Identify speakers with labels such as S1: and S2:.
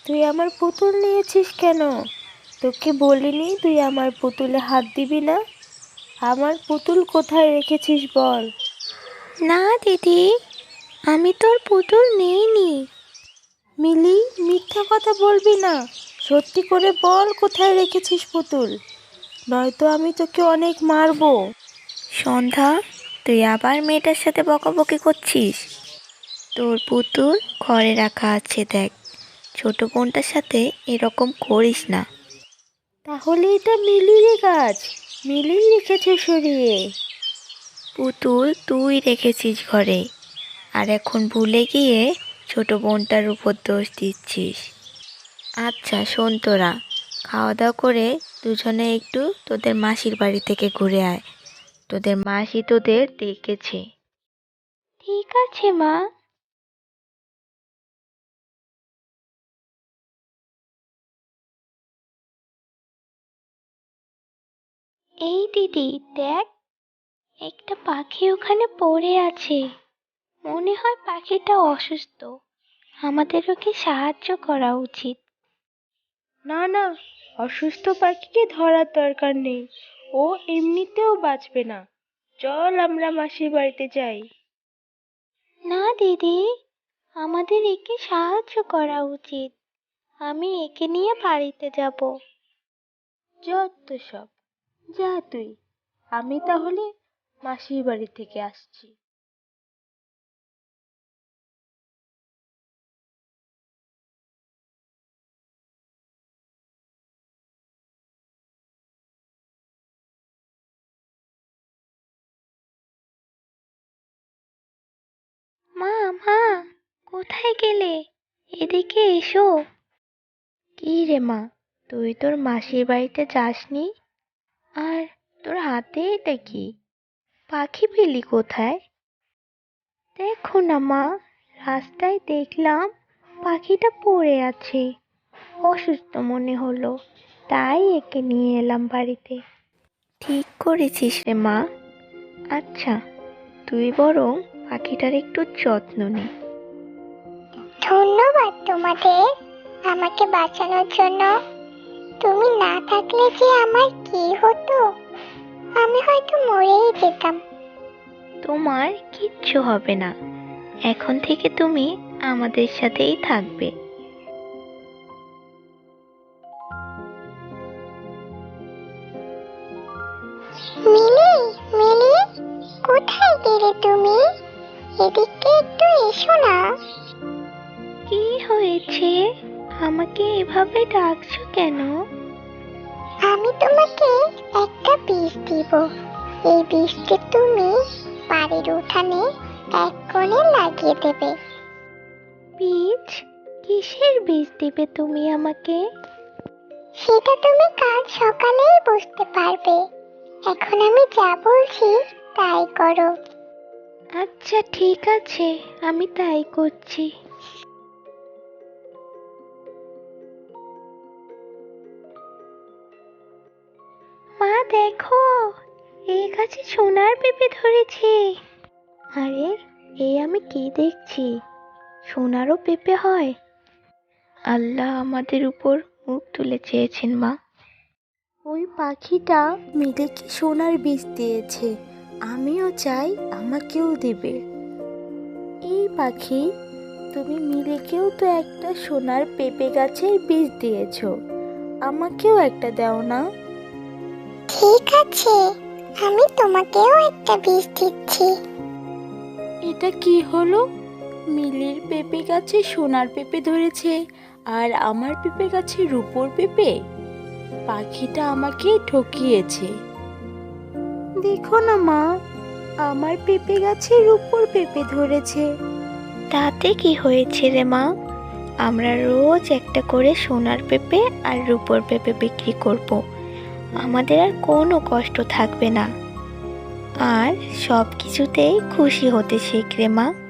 S1: তুই আমার পুতুল নিয়েছিস কেন? তোকে বলিনি তুই আমার পুতুলে হাত দিবি না? আমার পুতুল কোথায় রেখেছিস বল।
S2: না দিদি, আমি তোর পুতুল নিইনি।
S1: মিলি, মিথ্যা কথা বলবি না। সত্যি করে বল কোথায় রেখেছিস পুতুল, নয়তো আমি তোকে অনেক মারবো।
S2: সন্ধ্যা, তুই আবার মেয়েটার সাথে বকাবকি করছিস। তোর পুতুল ঘরে রাখা আছে, দেখ। ছোট বোনটার সাথে এরকম করিস না।
S1: তাহলে এটা মিলিরই কাজ, মিলিই রেখেছে সরিয়ে।
S2: পুতুল তুই রেখেছিস ঘরে, আর এখন ভুলে গিয়ে ছোট বোনটার উপর দোষ দিচ্ছিস। আচ্ছা শোন, তোরা খাওয়া দাওয়া করে দুজনে একটু তোদের মাসির বাড়ি থেকে ঘুরে আয়। তোদের মাসি তোদের ডেকেছে।
S1: ঠিক আছে মা।
S2: এই দিদি দেখ, একটা পাখি ওখানে পড়ে আছে। মনে হয় পাখিটা অসুস্থ। আমাদের ওকে সাহায্য করা উচিত।
S1: না না, অসুস্থ পাখিকে ধরার দরকার নেই, ও এমনিতেও বাঁচবে না। চল আমরা মাসির বাড়িতে যাই।
S2: না দিদি, আমাদের একে সাহায্য করা উচিত। আমি একে নিয়ে বাড়িতে যাব।
S1: যত সব, যা তুই। আমি তাহলে মাসির বাড়ি থেকে আসছি।
S2: মা, মা, কোথায় গেলে? এদিকে এসো। কি রে মা, তুই তোর মাসির বাড়িতে যাসনি? আর তোর হাতে এটা কি? পাখি পেলি কোথায়? দেখো না মা, রাস্তায় দেখলাম পাখিটা পড়ে আছে। অসুস্থ মনে হলো, তাই একে নিয়ে এলাম বাড়িতে। ঠিক করেছিস রে মা। আচ্ছা, তুই বরং পাখিটার একটু যত্ন নে।
S3: ধন্যবাদ তোমাদের আমাকে বাঁচানোর জন্য। তুমি না থাকলে যে আমার কি হতো, আমি হয়তো মরেই যেতাম।
S2: তোমার কিচ্ছু হবে না, এখন থেকে তুমি আমাদের সাথেই থাকবে।
S3: মিলি, মিলি, কোথায় গেলে তুমি? এদিকে একটু এসো না।
S2: কি হয়েছে? আমাকে এভাবে ডাকছো কেন?
S3: আমি তোমাকে একটা বীজ দিব। এই বীজটি তুমি বাড়ির উঠানে এক কোণে লাগিয়ে দেবে।
S2: বীজ? কিসের বীজ দিবে তুমি আমাকে?
S3: সেটা তুমি কাল সকালেই বুঝতে পারবে। এখন আমি যা বলছি তাই করো।
S2: আচ্ছা ঠিক আছে, আমি তাই করছি। মা দেখো, এই গাছে সোনার পেঁপে ধরেছে। আরে, এই আমি কি দেখছি? সোনারও পেঁপে হয়? আল্লাহ আমাদের উপর মুখ তুলে চেয়েছেন মা।
S1: ওই পাখিটা মিলিকে সোনার বীজ দিয়েছে, আমিও চাই আমাকেও দেবে। এই পাখি, তুমি মিলিকেও তো একটা সোনার পেঁপে গাছের বীজ দিয়েছো, আমাকেও একটা দাও না।
S3: ঠিক আছে, আমি তোমাকেও একটা বীজ দিচ্ছি।
S1: এটা কি হলো? মিলির পেঁপে গাছে সোনার পেঁপে ধরেছে, আর আমার পেঁপে গাছে রূপোর পেঁপে। পাখিটা আমাকে ঠকিয়েছে। দেখো না মা, আমার পেঁপে গাছে রূপোর পেঁপে ধরেছে।
S2: তাতে কি হয়েছে রে মা? আমরা রোজ একটা করে সোনার পেঁপে আর রূপোর পেঁপে বিক্রি করব। আমাদের আর কোনো কষ্ট থাকবে না। আর সব কিছুতেই খুশি হতে শিখ রে মা।